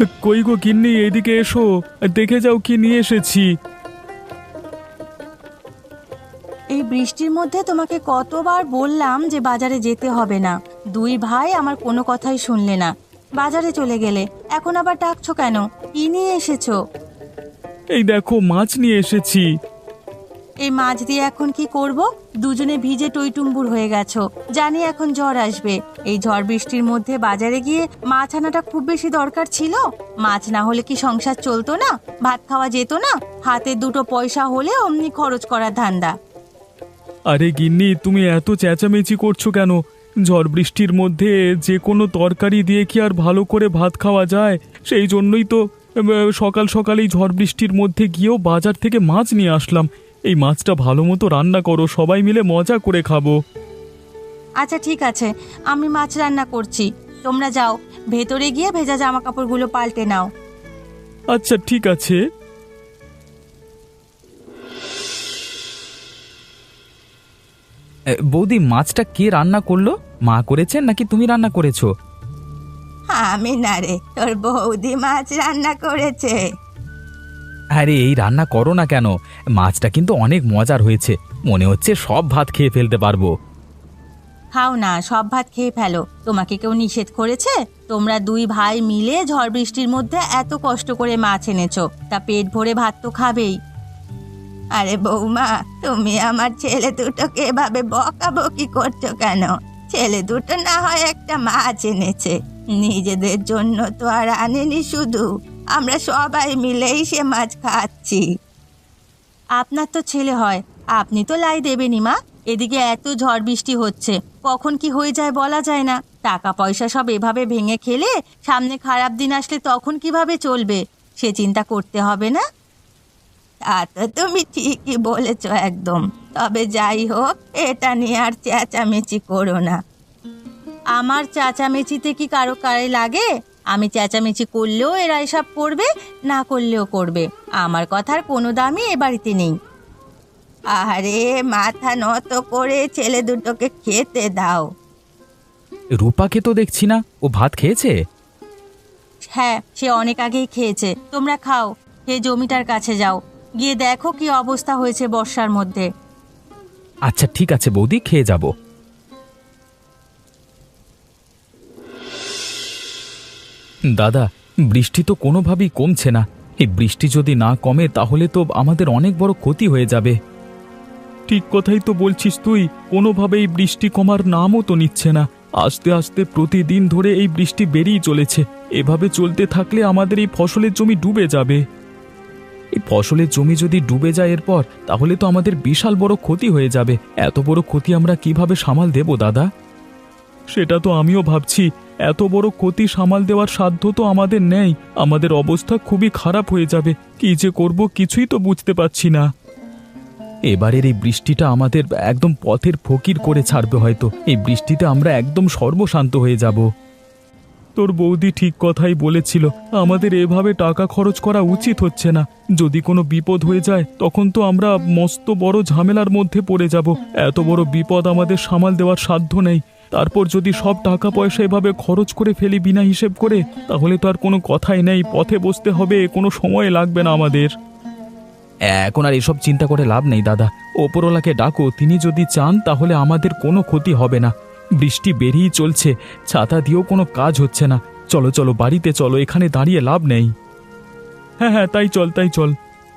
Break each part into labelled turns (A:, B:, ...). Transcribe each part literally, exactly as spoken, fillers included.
A: কই গো গিন্নি, এদিকে এসো, দেখে যাও কি নিয়ে এসেছি।
B: এই বৃষ্টির মধ্যে তোমাকে কতবার বললাম যে বাজারে যেতে হবে না। দুই ভাই আমার কোনো কথাই শুনলে না, বাজারে চলে গেলে। এখন আবার ডাকছো কেন? কি নিয়ে এসেছো?
A: এই দেখো, মাছ নিয়ে এসেছি।
B: এই মাছ দিয়ে এখন কি করব? দুজনে ভিজে টইটুম্বুর হয়ে গেছো। জানি এখন ঝড় আসবে। এই ঝড় বৃষ্টির মধ্যে বাজারে গিয়ে মাছ আনাটা খুব বেশি দরকার ছিল? মাছ না হলে কি সংসার চলতো না? ভাত খাওয়া যেত না? হাতে দুটো পয়সা হলে অমনি খরচ করার ধান্দা।
A: আরে গিন্নি, তুমি এত চেঁচামেচি করছো কেন? ঝড় বৃষ্টির মধ্যে যে কোনো তরকারি দিয়ে কি আর ভালো করে ভাত খাওয়া যায়? সেই জন্যই তো আহ, সকাল সকালেই ঝড় বৃষ্টির মধ্যে গিয়েও বাজার থেকে মাছ নিয়ে আসলাম। এই মাছটা ভালো মতো রান্না করো, সবাই মিলে মজা করে খাবো।
B: আচ্ছা ঠিক আছে, আমি মাছ রান্না করছি। তোমরা যাও, ভেতরে গিয়ে ভেজা জামা কাপড়গুলো পাল্টে নাও।
A: আচ্ছা ঠিক আছে।
C: বৌদি, মাছটা কে রান্না করলো? মা করেছেন নাকি তুমি রান্না করেছো?
B: আমি না রে, তোর বৌদি মাছ রান্না করেছে।
C: আরে এই রান্না করো না কেন? মাছটা কিন্তু অনেক মজার হয়েছে, মনে হচ্ছে সব ভাত খেয়ে ফেলতে পারবো।
B: খাও না, সব ভাত খেয়ে ফেলো। তোমাকে কেউ নিষেধ করেছে? তোমরা দুই ভাই মিলে ঝড় বৃষ্টির মধ্যে এত কষ্ট করে মাছ এনেছো, তা পেট ভরে ভাত তো খাবেই। আরে বৌমা, তুমি আমার ছেলে দুটোকে এভাবে বকাবকি করছো কেন? ছেলে দুটো না হয় একটা মাছ এনেছে, নিজেদের জন্য তো আর আনেনি। শুধু আমরা সবাই মিলেই সে মাছ খাচ্ছি। আপনার তো ছেলে হয়, আপনি তো লাই দেবেনই মা। এদিকে এত ঝড় বৃষ্টি হচ্ছে, কখন কি হয়ে যায় বলা যায় না। টাকা পয়সা সব এভাবে ভেঙে খেলে সামনে খারাপ দিন আসলে তখন কিভাবে চলবে, সে চিন্তা করতে হবে না? তা তো তুমি ঠিকই বলেছ একদম। তবে যাই হোক, এটা নিয়ে আর চেঁচামেচি করো না। আমার চেঁচামেচিতে কি কারো গায়ে লাগে? আমি চেঁচামেচি করলেও এরা এসব করবে, না করলেও করবে। আমার কথার কোনো দামই এ বাড়িতে নেই। আরে মাথা নত করে ছেলে দুটোকে খেতে দাও।
C: রূপাকে তো দেখছি না, ও ভাত খেয়েছে?
B: হ্যাঁ, সে অনেক আগেই খেয়েছে। তোমরা খাও, খেয়ে জমিটার কাছে যাও, গিয়ে দেখো কি অবস্থা হয়েছে বর্ষার মধ্যে।
C: আচ্ছা ঠিক আছে বৌদি, খেয়ে যাব। দাদা, বৃষ্টি তো কোনোভাবেই কমছে না। এই বৃষ্টি যদি না কমে তাহলে তো আমাদের অনেক বড় ক্ষতি হয়ে যাবে।
A: ঠিক কথাই তো বলছিস তুই, কোনোভাবেই বৃষ্টি কমার নামও তো নিচ্ছে না। আস্তে আস্তে প্রতিদিন ধরে এই বৃষ্টি বেরিয়ে চলেছে। এভাবে চলতে থাকলে আমাদের এই ফসলের জমি ডুবে যাবে।
C: এই ফসলের জমি যদি ডুবে যায় এরপর, তাহলে তো আমাদের বিশাল বড় ক্ষতি হয়ে যাবে। এত বড় ক্ষতি আমরা কিভাবে সামাল দেব দাদা?
A: সেটা তো আমিও ভাবছি। এত বড় ক্ষতি সামাল দেওয়ার সাধ্য তো আমাদের নেই। আমাদের অবস্থা খুবই খারাপ হয়ে যাবে। কি যে করব কিছুই তো বুঝতে পারছি না।
C: এবারের এই বৃষ্টিটা আমাদের একদম পথের ফকির করে ছাড়বে হয়তো। এই বৃষ্টিতে আমরা একদম সর্বশান্ত হয়ে যাব।
A: তোর বৌদি ঠিক কথাই বলেছিল, আমাদের এভাবে টাকা খরচ করা উচিত হচ্ছে না। যদি কোনো বিপদ হয়ে যায় তখন তো আমরা মস্ত বড় ঝামেলার মধ্যে পড়ে যাব। এত বড় বিপদ আমাদের সামাল দেওয়ার সাধ্য নেই। তারপর যদি সব টাকা পয়সা এভাবে খরচ করে ফেলি বিনা হিসেব করে, তাহলে তো আর কোনো কথাই নেই। পথে বসতে হবে, কোনো সময় লাগবে না আমাদের।
C: এখন আর এসব চিন্তা করে লাভ নেই দাদা। ওপরওয়ালাকে ডাকো, তিনি যদি চান তাহলে আমাদের কোনো ক্ষতি হবে না। বৃষ্টি বেরিয়েই চলছে, ছাতা দিয়েও কোনো কাজ হচ্ছে না। চলো চলো বাড়িতে চলো, এখানে দাঁড়িয়ে লাভ নেই।
A: হ্যাঁ হ্যাঁ, তাই চল তাই চল।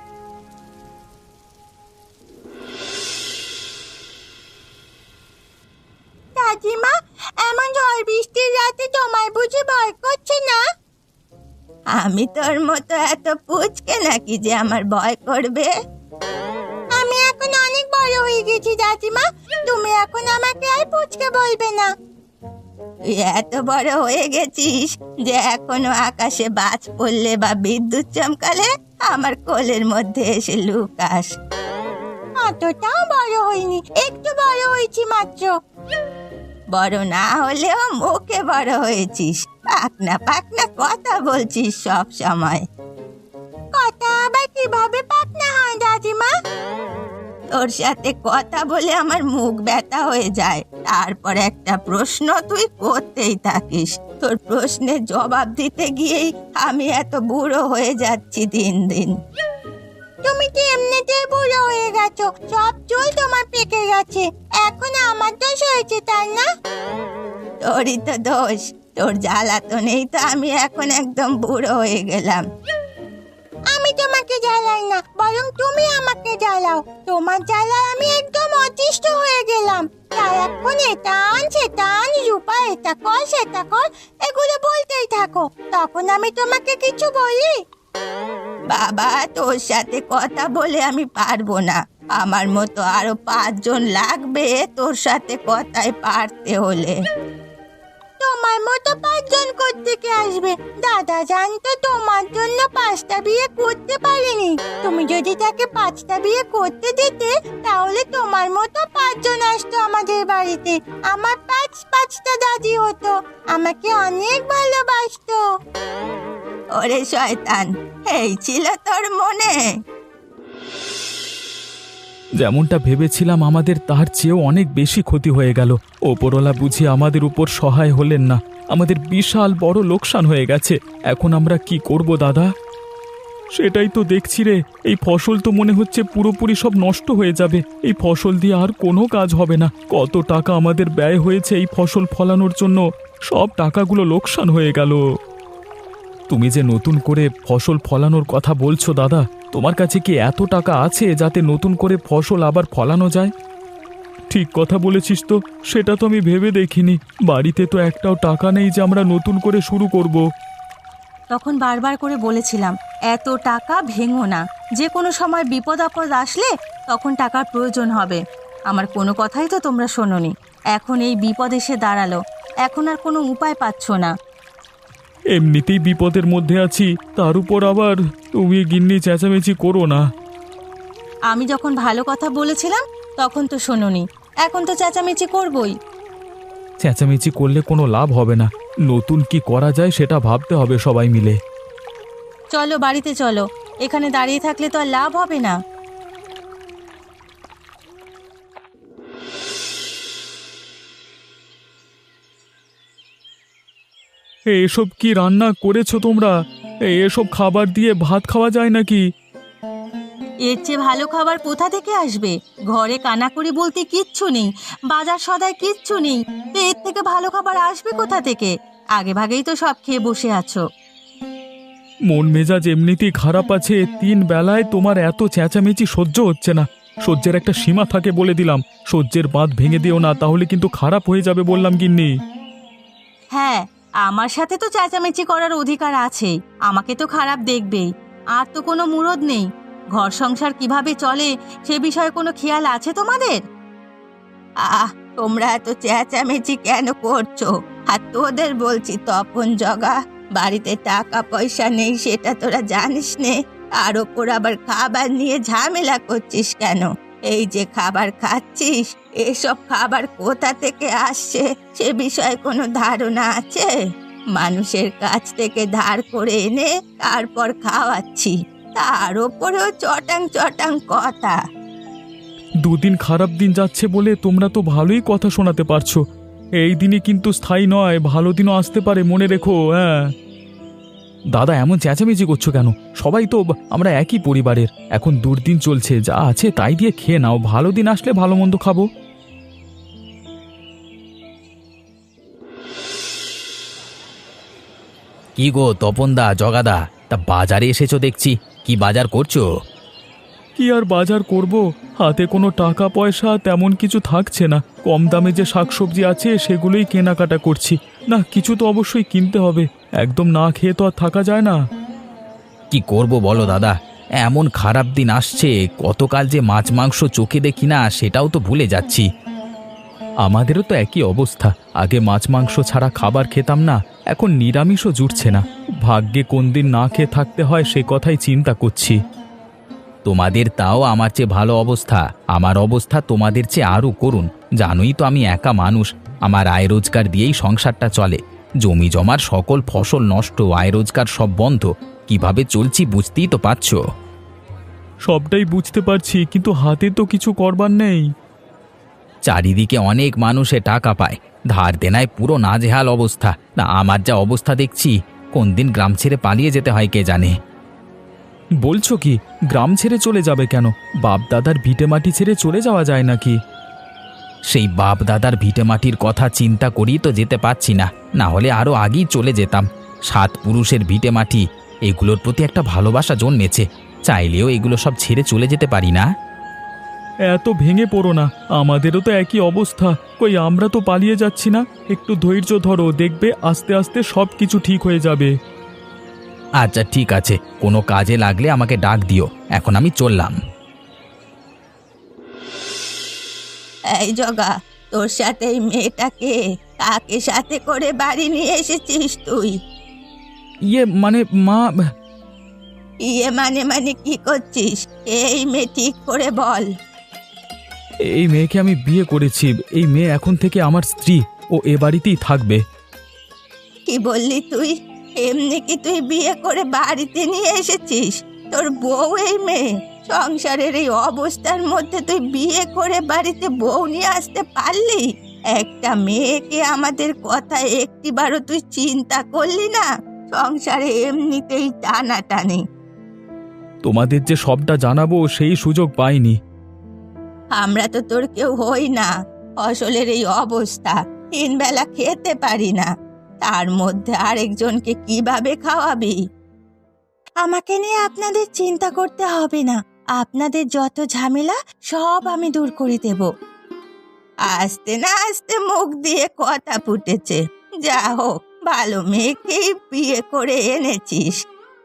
B: দাদিমা, এমন ঝড় বৃষ্টির রাতে তোমার বুঝি ভয় করছে না? আমি তোর মতো এত পুচকে নাকি যে আমার ভয় করবে? আমি এখন অনেক বড় হয়ে গেছি দাদিমা, তুমি এখন আমাকে আর পুচকে বলবে না। তুই এত বড় হয়ে গেছিস যে এখনো আকাশে বাজ পড়লে বা বিদ্যুৎ চমকালে আমার কোলের মধ্যে এসে লুকাস। অতটাও বড় হইনি, একটু বড় হয়েছি মাত্র। বড় না হলেও মুখে বড় হয়েছিস। পাকনা পাকনা কথা বলছিস সব সময়। কথা আবার কিভাবে পাকনা হয় দাদিমা? তোর সাথে কথা বলে আমার মুখ ব্যথা হয়ে যায়, তারপর একটা প্রশ্ন তুই করতেই থাকিস। তোর প্রশ্নের জবাব দিতে গিয়েই আমি এত বুড়ো হয়ে যাচ্ছি দিন দিন। তুমি কি এমনিতেই বুড়ো হয়ে গেছো? সব চুল তোমার পেকে গেছে, এখন আমার দোষ হয়েছে তাই না? তোরই তো দোষ, তোর জ্বালাতনেই তো আমি এখন একদম বুড়ো হয়ে গেলাম। আমি তোমাকে জ্বালাই না, বরং তুমি আমাকে জ্বালাও। তোমার জ্বালায় আমি একদম অতিষ্ঠ হয়ে গেলাম। সারাক্ষণ এটা আন সেটা আন, রূপা এটা কর সেটা কর, এগুলো বলতেই থাকো। তখন আমি তোমাকে কিছু বলি? বাবা, তোর সাথে কথা বলে আমি পারবো না। আমার মতো আরো পাঁচজন লাগবে তোর সাথে কথায় পারতে হলে। তোমার মতো পাঁচজন কোত্থেকে আসবে? দাদা জানতো তোমার জন্য পাঁচটা বিয়ে করতে পারিনি। তুমি যদি তাকে পাঁচটা বিয়ে করতে দিতে, তাহলে তোমার মতো পাঁচজন আসতো আমাদের বাড়িতে। আমার পাঁচ পাঁচটা দাদি হতো, আমাকে অনেক ভালোবাসতো। ওরে শয়তান, এই ছিল তোর মনে?
C: যেমনটা ভেবেছিলাম আমাদের তার চেয়েও অনেক বেশি ক্ষতি হয়ে গেল। ওপরওয়ালা বুঝি আমাদের উপর সহায় হলেন না। আমাদের বিশাল বড় লোকসান হয়ে গেছে। এখন আমরা কি করব দাদা? সেটাই তো দেখছি রে, এই ফসল তো মনে হচ্ছে পুরোপুরি সব নষ্ট হয়ে যাবে। এই ফসল দিয়ে আর কোনো কাজ হবে না। কত টাকা আমাদের ব্যয় হয়েছে এই ফসল ফলানোর জন্য, সব টাকাগুলো লোকসান হয়ে গেল। তুমি যে নতুন করে ফসল ফলানোর কথা বলছো দাদা, তোমার কাছে কি এত টাকা আছে যাতে নতুন করে ফসল আবার ফলানো যায়? ঠিক কথা বলেছিস তো, সেটা তো আমি ভেবে দেখিনি। বাড়িতে তো একটাও টাকা নেই যে আমরা নতুন করে শুরু করব।
B: তখন বারবার করে বলেছিলাম, এত টাকা ভেঙো না, যে কোনো সময় বিপদ আপদ আসলে তখন টাকার প্রয়োজন হবে। আমার কোনো কথাই তো তোমরা শোনোনি। এখন এই বিপদ এসে দাঁড়ালো, এখন আর কোনো উপায় পাচ্ছ না।
A: এমনিতেই বিপদের মধ্যে আছি, তার উপর আবার তুমি গিন্নি চেঁচামেচি করো না।
B: আমি যখন ভালো কথা বলেছিলাম তখন তো শোনোনি, এখন তো চেঁচামেচি করবই।
C: চেঁচামেচি করলে কোনো লাভ হবে না। নতুন কি করা যায় সেটা ভাবতে হবে সবাই মিলে।
B: চলো বাড়িতে চলো, এখানে দাঁড়িয়ে থাকলে তো আর লাভ হবে না।
A: এসব কি রান্না করেছো তোমরা? এসব খাবার দিয়ে ভাত খাওয়া যায় নাকি?
B: এর চেয়ে ভালো খাবার কোথা থেকে আসবে? ঘরে কানাকড়ি বলতে কিচ্ছু নেই, বাজার সদায় কিচ্ছু নেই, তো এর থেকে ভালো খাবার আসবে কোথা থেকে? আগে ভাগেই তো সব খেয়ে বসে আছো।
A: মন মেজাজ এমনিতেই খারাপ আছে, তিন বেলায় তোমার এত চেঁচামেচি সহ্য হচ্ছে না। সহ্যের একটা সীমা থাকে বলে দিলাম, সহ্যের বাঁধ ভেঙে দিও না, তাহলে কিন্তু খারাপ হয়ে যাবে বললাম গিন্নি।
B: হ্যাঁ, আমার সাথে তো চেঁচামেচি করার অধিকার আছে, আমাকে তো খারাপ দেখবেই। আর তো কোনো মুরদ নেই। ঘর সংসার কিভাবে চলে সে বিষয়ে কোনো খেয়াল আছে তোমাদের? আহ, তোমরা এত চেঁচামেচি কেন করছো? আর তোদের বলছি তপন জগা, বাড়িতে টাকা পয়সা নেই সেটা তোরা জানিস নে, আর ওপর আবার খাবার নিয়ে ঝামেলা করছিস কেন? এই যে খাবার খাচ্ছিস, এসব খাবার কোথা থেকে আসছে সে বিষয়ে কোনো ধারণা আছে? মানুষের কাছ থেকে ধার করে এনে তারপর খাওয়াচ্ছি, তার ওপরেও চটাং চটাং কথা।
A: দুদিন খারাপ দিন যাচ্ছে বলে তোমরা তো ভালোই কথা শোনাতে পারছো। এই দিনই কিন্তু স্থায়ী নয়, ভালো দিনও আসতে পারে, মনে রেখো। হ্যাঁ
C: দাদা, এমন চেঁচামেচি করছো কেন? সবাই তো আমরা একই পরিবারের। এখন দুর্দিন চলছে, যা আছে তাই দিয়ে খেয়ে নাও, ভালো দিন আসলে ভালো মন্দ খাবো। কি গো তপনদা, জগাদা, তা বাজারে এসেছো দেখছি, কি বাজার করছো?
A: কি আর বাজার করব, হাতে কোনো টাকা পয়সা তেমন কিছু থাকছে না। কম দামে যে শাকসবজি আছে সেগুলোই কেনাকাটা করছি। না, কিছু তো অবশ্যই কিনতে হবে, একদম না খেয়ে তো আর থাকা যায় না।
C: কি করব বলো দাদা, এমন খারাপ দিন আসছে, কতকাল যে মাছ মাংস চোখে দেখি না সেটাও তো ভুলে যাচ্ছি। আমাদেরও তো একই অবস্থা। আগে মাছ মাংস ছাড়া খাবার খেতাম না, এখন নিরামিষও জুটছে না। ভাগ্যে কোন দিন না খেয়ে থাকতে হয় সে কথাই চিন্তা করছি। তোমাদের তাও আমার চেয়ে ভালো অবস্থা। আমার অবস্থা তোমাদের চেয়ে আরও করুন। জানোই তো আমি একা মানুষ, আমার আয় রোজগার দিয়েই সংসারটা চলে। জমি জমার সকল ফসল নষ্ট, আয় রোজগার সব বন্ধ, কিভাবে চলছি বুঝতেই তো পারছো।
A: সবটাই বুঝতে পারছি, কিন্তু হাতে তো কিছু করবার নেই।
C: চারিদিকে অনেক মানুষে টাকা পায়, ধার দেনায় পুরো নাজেহাল অবস্থা। না আমার যা অবস্থা দেখছি, কোন দিন গ্রাম ছেড়ে পালিয়ে যেতে হয় কে জানে।
A: বলছো কি? গ্রাম ছেড়ে চলে যাবে কেন? বাপ দাদার ভিটে মাটি ছেড়ে চলে যাওয়া যায় নাকি?
C: সেই বাপ দাদার ভিটে মাটির কথা চিন্তা করি তো যেতে পারছি না, না হলে আরো আগেই চলে যেতাম। সাত পুরুষের ভিটে মাটি, এগুলোর প্রতি একটা ভালোবাসা জন্মেছে, চাইলেও এগুলো সব ছেড়ে চলে যেতে পারি না।
A: এত ভেঙে পড়ো না, আমাদেরও তো একই অবস্থা। কই আমরা তো পালিয়ে যাচ্ছি না। একটু ধৈর্য ধরো, দেখবে আস্তে আস্তে সব কিছু ঠিক হয়ে যাবে।
C: আচ্ছা ঠিক আছে, কোনো কাজে লাগলে আমাকে ডাক দিও। এখন আমি চললাম।
B: এই জগা, তোর সাথে এই মেয়েটাকে কাকে সাথে করে বাড়ি নিয়ে এসেছিস তুই?
A: ইয়ে মানে মা,
B: ইয়ে মানে মানে কি করছিস? এই মেয়ে ঠিক করে বল।
A: এই মেয়েকে আমি বিয়ে করেছি। এই মেয়ে এখন থেকে আমার স্ত্রী, ও এ বাড়িতেই থাকবে।
B: কি বললি তুই? এমনি কি তুই বিয়ে করে বাড়িতে নিয়ে এসেছিস? তোর বউ এই মেয়ে? সংসারের এই অবস্থার মধ্যে তুই বিয়ে করে বাড়িতে বউ নিয়ে আসতে পারলি? একটা মেয়েকে আমাদের কথা একটিবারও তুই চিন্তা করলি না? সংসারে এমনিতেই টানাটানি।
A: তোমাদের যে সবটা জানাবো সেই সুযোগ পাইনি।
B: আমরা তো তোর কেউ হই না। ফসলের এই অবস্থা, তিন বেলা খেতে পারি না, তার মধ্যে আরেকজনকে কিভাবে খাওয়াবি? আমাকে নিয়ে আপনাদের চিন্তা করতে হবে না। আপনাদের যত ঝামেলা সব আমি দূর করে দেব। আস্তে না আস্তে মুখ দিয়ে কথা ফুটেছে। যা হোক, ভালো মেয়েকেই বিয়ে করে এনেছিস।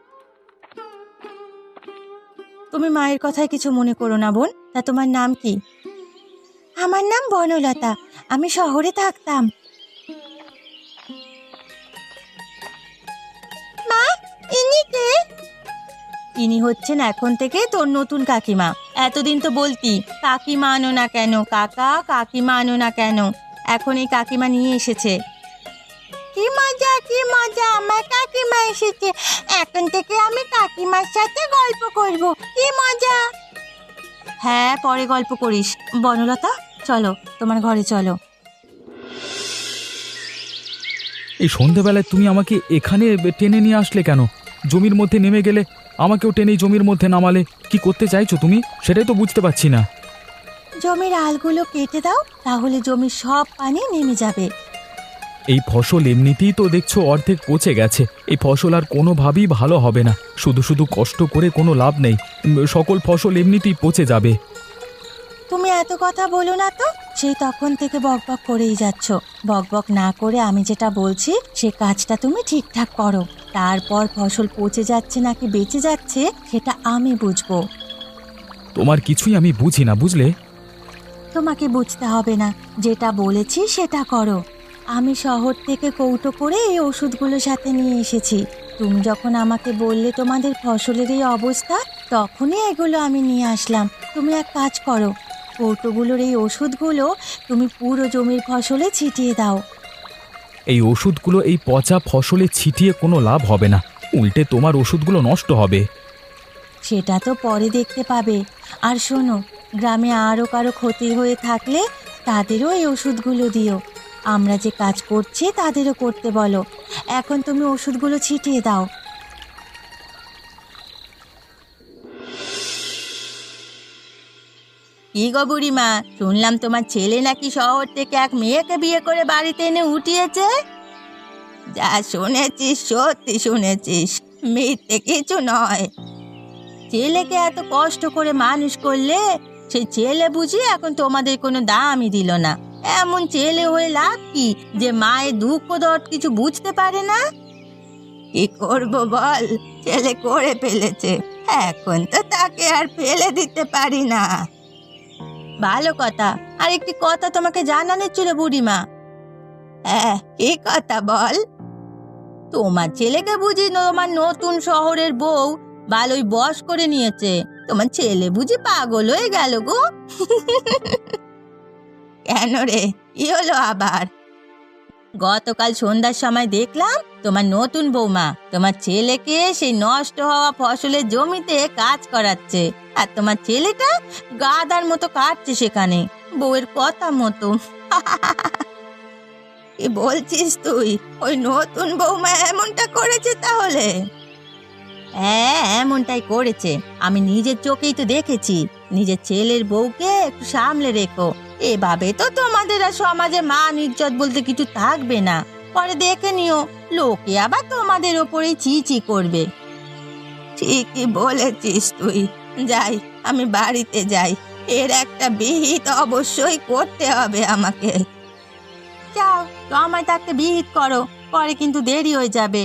B: তুমি মায়ের কথায় কিছু মনে করো না বোন। তা তোমার নাম কি? আমার নাম বনলতা, আমি শহরে থাকতাম। মা, ইনি কে? ইনি হচ্ছেন এখন থেকে তোর নতুন কাকিমা। এতদিন তো বলতি কাকিমা আনো না কেন, কাকা কাকিমা আনো না কেন। এখন এই কাকিমা নিয়ে এসেছে। কি মজা, কি মজা, আমার কাকিমা এসেছে। এখন থেকে আমি কাকিমার সাথে গল্প করব। কি মজা। হ্যাঁ, পরে গল্প করিস। বনলতা, চলো তোমার ঘরে চলো।
A: এই সন্ধেবেলায় তুমি আমাকে এখানে টেনে নিয়ে আসলে কেন? জমির মধ্যে নেমে গেলে, আমাকেও টেনে জমির মধ্যে নামালে। কি করতে চাইছো তুমি, সেটাই তো বুঝতে পারছি না।
B: জমির আলগুলো কেটে দাও, তাহলে জমির সব পানি নেমে যাবে।
A: এই ফসল এমনিতেই তো দেখছো অর্ধেক পচে গেছে। এই ফসল আর কোনোভাবেই ভালো হবে না। শুধু শুধু কষ্ট করে কোনো লাভ নেই। উম, সকল ফসল এমনিতেই পচে যাবে।
B: তুমি এত কথা বলো না তো। সেই তখন থেকে বকবক করেই যাচ্ছ। বকবক না করে আমি যেটা বলছি সে কাজটা তুমি ঠিকঠাক করো। তারপর ফসল পচে যাচ্ছে নাকি বেঁচে যাচ্ছে সেটা আমি বুঝবো।
A: তোমার কিছুই আমি বুঝি না, বুঝলে?
B: তোমাকে বুঝতে হবে না, যেটা বলেছি সেটা করো। আমি শহর থেকে কৌটো করে এই ওষুধগুলো সাথে নিয়ে এসেছি। তুমি যখন আমাকে বললে তোমাদের ফসলের এই অবস্থা, তখনই এগুলো আমি নিয়ে আসলাম। তুমি এক কাজ করো, কৌটোগুলোর এই ওষুধগুলো তুমি পুরো জমির ফসলে ছিটিয়ে দাও।
A: এই ওষুধগুলো এই পচা ফসলে ছিটিয়ে কোনো লাভ হবে না, উল্টে তোমার ওষুধগুলো নষ্ট হবে।
B: সেটা তো পরে দেখতে পাবে। আর শোনো, গ্রামে আরও কারো ক্ষতি হয়ে থাকলে তাদেরও এই ওষুধগুলো দিও। আমরা যে কাজ করছি তাদেরও করতে বলো। এখন তুমি ওষুধগুলো ছিটিয়ে দাও। কি গো বুড়িমা, শুনলাম তোমার ছেলে নাকি শহর থেকে এক মেয়েকে বিয়ে করে বাড়িতে এনে উঠিয়েছে। যা শুনেছিস সত্যি শুনেছিস, মিথ্যে কিছু নয়। ছেলেকে এত কষ্ট করে মানুষ করলে, সেই ছেলে বুঝি এখন তোমাদের কোনো দামই দিল না। এমন ছেলে হয়ে লাভ কি যে মায়ের দুঃখ দর্দ কিছু বুঝতে পারে না? কি করব বল, ছেলে করে ফেলেছে, এখন তো তাকে আর ফেলে দিতে পারি না। ভালো কথা। আর একটি কথা তোমাকে জানানোর ছিল বুড়িমা। হ্যাঁ, কি কথা বল। তোমার ছেলেকে বুঝি তোমার নতুন শহরের বউ ভালোই বশ করে নিয়েছে। তোমার ছেলে বুঝি পাগল হয়ে গেল গো। কেন রে, কি হলো আবার? গতকাল সন্ধ্যার সময় দেখলাম তোমার নতুন বৌমা তোমার ছেলেকে সেই নষ্ট হওয়া ফসলের জমিতে কাজ করাচ্ছে। আর তোমার ছেলেটা গাদার মতো কাটছে সেখানে বউয়ের কথা মতো। কি বলছিস তুই? ওই নতুন বৌমা এমনটা করেছে তাহলে? হ্যাঁ, এমনটাই করেছে। আমি নিজের চোখেই তো দেখেছি। নিজের ছেলের বউকে একটু সামলে রেখো, এভাবে তো তোমাদের আর সমাজে মান ইজ্জত বলতে কিছু থাকবে না। পরে দেখে নিও, লোকে আবার তোমাদের ওপরেই চি চি করবে। ঠিকই বলেছিস তুই। যাই, আমি বাড়িতে যাই। এর একটা বিহিত অবশ্যই করতে হবে আমাকে। যাও, সময় থাকতে বিহিত করো, পরে কিন্তু দেরি হয়ে যাবে।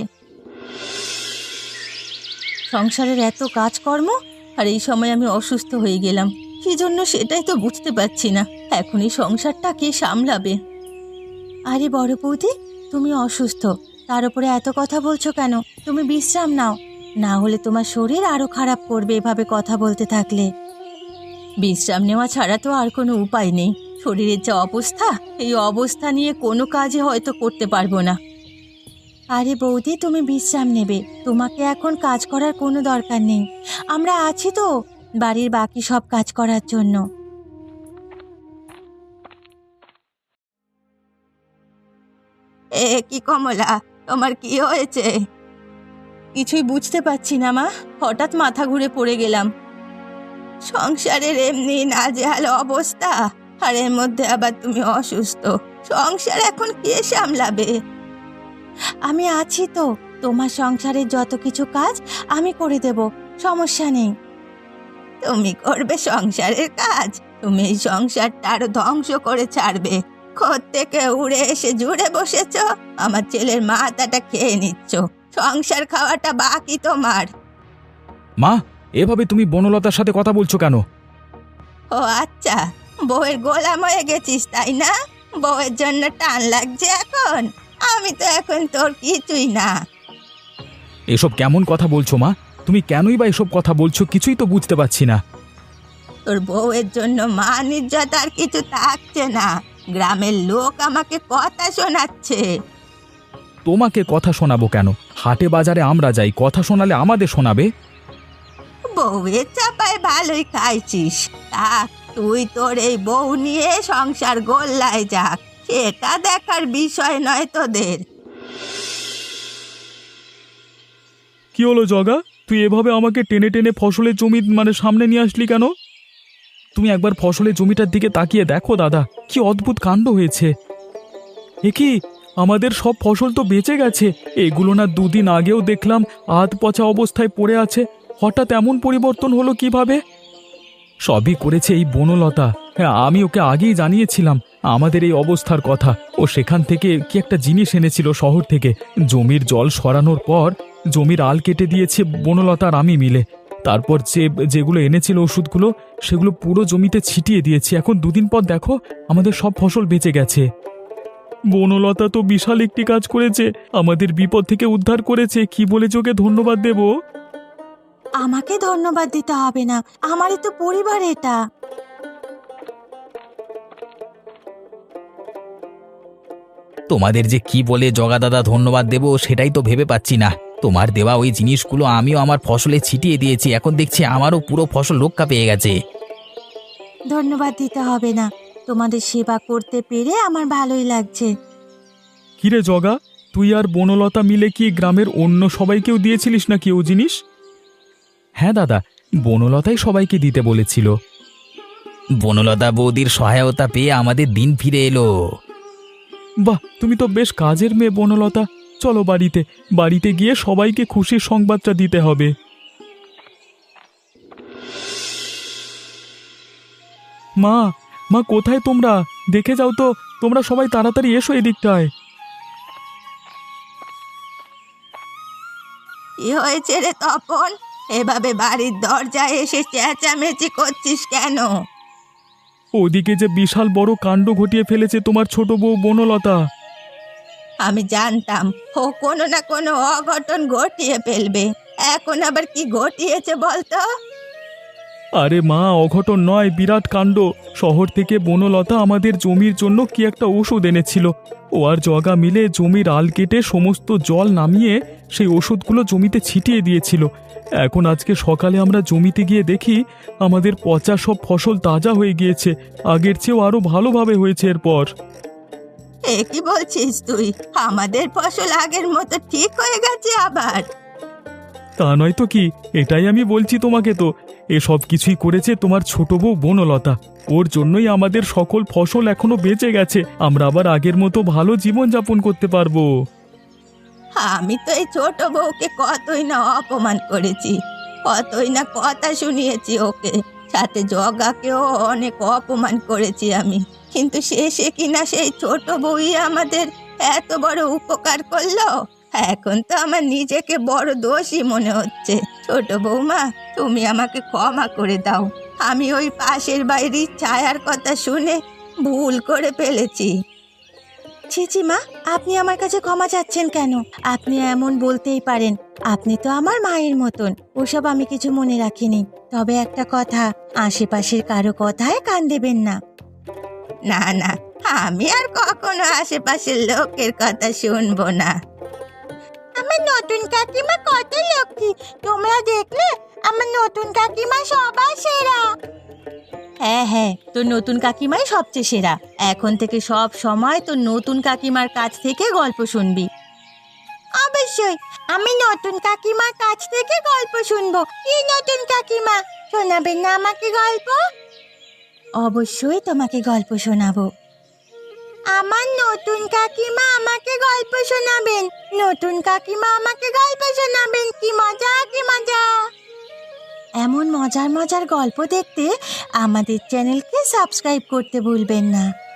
B: সংসারের এত কাজকর্ম, আর এই সময় আমি অসুস্থ হয়ে গেলাম। কি জন্য সেটাই তো বুঝতে পারছি না। এখন এই সংসারটা কে সামলাবে? আরে বড় বৌদি, তুমি অসুস্থ, তার উপরে এত কথা বলছো কেন? তুমি বিশ্রাম নাও, না হলে তোমার শরীর আরো খারাপ করবে এভাবে কথা বলতে থাকলে। বিশ্রাম নেওয়া ছাড়া তো আর কোনো উপায় নেই। শরীরের যা অবস্থা, এই অবস্থা নিয়ে কোনো কাজই হয়তো করতে পারবো না। আরে বৌদি, তুমি বিশ্রাম নেবে, তোমাকে এখন কাজ করার কোনো দরকার নেই। আমরা আছি তো বাড়ির বাকি সব কাজ করার জন্য। এ কি কমলা, তোমার কি হয়েছে? কিছুই বুঝতে পারছি না মা, হঠাৎ মাথা ঘুরে পড়ে গেলাম। সংসারের এমনি নাজেহাল অবস্থা, আর এর মধ্যে আবার তুমি অসুস্থ। সংসার এখন কে সামলাবে? আমি আছি তো, তোমার সংসারের যত কিছু কাজ আমি করে দেব, সমস্যা নেই। তুমি করবে সংসারের কাজ? তুমি এই সংসারটা আরো ধ্বংস করে ছাড়বে। থেকে উড়ে এসে জুড়ে বসেছ, আমার ছেলের মাথাটা খেয়ে নিচ্ছ। সংসার খাওয়াটা বাকি তোমার।
C: মা, এভাবে তুমি বনলতার সাথে কথা বলছো কেন?
B: ও আচ্ছা, বউয়ের গোলাম হয়ে গেছিস তাই না? বউয়ের জন্য টান লাগছে এখন? আমি তো এখন তোর কিছুই না।
C: এসব কেমন কথা বলছো মা? তুমি কেনই বা এসব কথা বলছো কিছুই তো বুঝতে পারছি না।
B: তোর বউয়ের জন্য মান ইজ্জত আর কিছু থাকছে না। গ্রামের লোক আমাকে কথা শোনাচ্ছে।
C: তোমাকে কথা শোনাবো কেন? হাটে বাজারে আমরা যাই, কথা শোনালে আমাদের শোনাবে?
B: বউয়ের চাপায় ভালোই খাইছিস। তা তুই তোর এই বউ নিয়ে সংসার গোল্লায় যাক, সেটা দেখার বিষয় নয় তোদের।
A: কি হলো জগা, তুই এভাবে আমাকে টেনে টেনে ফসলের জমি মানে সামনে নিয়ে আসলি কেন?
C: তুমি একবার ফসলের জমিটার দিকে তাকিয়ে দেখো দাদা, কি অদ্ভুত কাণ্ড হয়েছে।
A: এ কি, আমাদের সব ফসল তো বেঁচে গেছে। এগুলো না দুদিন আগেও দেখলাম আধ পচা অবস্থায় পড়ে আছে, হঠাৎ এমন পরিবর্তন হলো কিভাবে?
C: সবই করেছে এই বনলতা। হ্যাঁ, আমি ওকে আগেই জানিয়েছিলাম আমাদের এই অবস্থার কথা। ও সেখান থেকে কি একটা জিনিস এনেছিল শহর থেকে। জমির জল সরানোর পর জমির আল কেটে দিয়েছে বনলতা আর আমি মিলে। তারপর যে যেগুলো এনেছিল ওষুধগুলো, সেগুলো পুরো জমিতে ছিটিয়ে দিয়েছি। এখন দুদিন পর দেখো আমাদের সব ফসল বেঁচে গেছে।
A: বনলতা তো বিশাল একটি কাজ করেছে, আমাদের বিপদ থেকে উদ্ধার করেছে। কি বলে ওকে ধন্যবাদ দেব?
B: আমাকে ধন্যবাদ দিতে হবে না, আমারই তো পরিবার এটা।
D: তোমাদের যে কি বলে জগা দাদা ধন্যবাদ দেব সেটাই তো ভেবে পাচ্ছি না। তোমার দেওয়া ওই জিনিসগুলো আমিও আমার ফসলে ছিটিয়ে দিয়েছি, এখন দেখছি আমারও পুরো ফসল রক্ষা পেয়ে গেছে।
B: ধন্যবাদ দিতে হবে না, তোমাদের সেবা করতে পেরে আমার ভালোই লাগছে।
A: কিরে জগা, তুই আর বনলতা মিলে কি গ্রামের অন্য সবাইকেও দিয়েছিলিস নাকি ও জিনিস?
C: হ্যাঁ দাদা, বনলতাই সবাইকে দিতে বলেছিল।
D: বনলতা বৌদির সহায়তা পেয়ে আমাদের দিন ফিরে এলো।
A: বাহ, তুমি তো বেশ কাজের মেয়ে বনলতা। চলো বাড়িতে, বাড়িতে গিয়ে সবাইকে খুশির সংবাদটা দিতে হবে। মা, মা কোথায় তোমরা? দেখে যাও তো, তোমরা সবাই তাড়াতাড়ি এসো এদিকটায়।
B: কি হয়েছে রে তপন? এভাবে বাড়ির দরজায় এসে চেঁচামেচি করছিস কেন?
A: ওদিকে যে বিশাল বড় কাণ্ড ঘটিয়ে ফেলেছে তোমার ছোট বউ বনলতা।
B: আমি জানতাম ও কোনো না কোনো অঘটন ঘটিয়ে ফেলবে। এখন আবার কি ঘটিয়েছে বলতো?
A: আরে মা, অঘটন নয়, বিরাট কাণ্ড। শহর থেকে বনলতা আমাদের জমির জন্য কি একটা ওষুধ এনেছিল। ও আর জগা মিলে জমির আল কেটে সমস্ত জল নামিয়ে সেই ওষুধগুলো জমিতে ছিটিয়ে দিয়েছিল। এখন আজকে সকালে আমরা জমিতে গিয়ে দেখি আমাদের পচা সব ফসল তাজা হয়ে গিয়েছে, আগের চেয়েও আরো ভালোভাবে হয়েছে এরপর।
B: এ কি বলছিস তুই? আমাদের ফসল আগের মতো ঠিক হয়ে গেছে আবার?
A: তা নয় তো কি, এটাই আমি বলছি তোমাকে। তো এসব কিছুই করেছে তোমার ছোট বউ বনলতা। ওর জন্যই আমাদের সকল ফসল এখনো বেঁচে গেছে, আমরা আবার আগের মতো ভালো জীবন যাপন করতে পারবো।
B: আমি তো এই ছোট বউকে কতই না অপমান করেছি, কতই না কথা শুনিয়েছি ওকে, সাথে জগাকেও অনেক অপমান করেছি আমি, কিন্তু শেষে কিনা সেই ছোট বউই আমাদের এত বড় উপকার করলো। এখন তো আমার নিজেকে বড় দোষী মনে হচ্ছে। ছোট বৌমা, তুমি আমাকে ক্ষমা করে দাও, আমি ওই পাশের বাড়ির ছায়ার কথা শুনে ভুল করে ফেলেছি। ছিছি মা, আপনি আমার কাছে ক্ষমা চাচ্ছেন কেন? আপনি এমন বলতেই পারেন, আপনি তো আমার মায়ের মতন। ওসব আমি কিছু মনে রাখিনি। তবে একটা কথা, আশেপাশের কারো কথায় কান দেবেন না। না না, আমি আর কখনো আশেপাশের লোকের কথা শুনবো না। আমার নতুন কাকিমা কত লক্ষ্মী, তোমরা দেখলে? আমার নতুন কাকিমা সবার সেরা। হ্যাঁ হ্যাঁ, তোর নতুন কাকিমাই সবচেয়ে সেরা। এখন থেকে সব সময় তোর নতুন কাকিমার কাছ থেকে গল্প শুনবি। অবশ্যই, আমি নতুন কাকিমার কাছ থেকে গল্প শুনবো। কি নতুন কাকিমা, শোনাবেন না আমাকে গল্প? অবশ্যই তোমাকে গল্প শোনাবো। আমার নতুন কাকিমা আমাকে গল্প শোনাবেন। নতুন কাকিমা আমাকে গল্প শোনাবেন। কি মজা, কি মজা! এমন মজার মজার গল্প দেখতে আমাদের চ্যানেলকে সাবস্ক্রাইব করতে ভুলবেন না।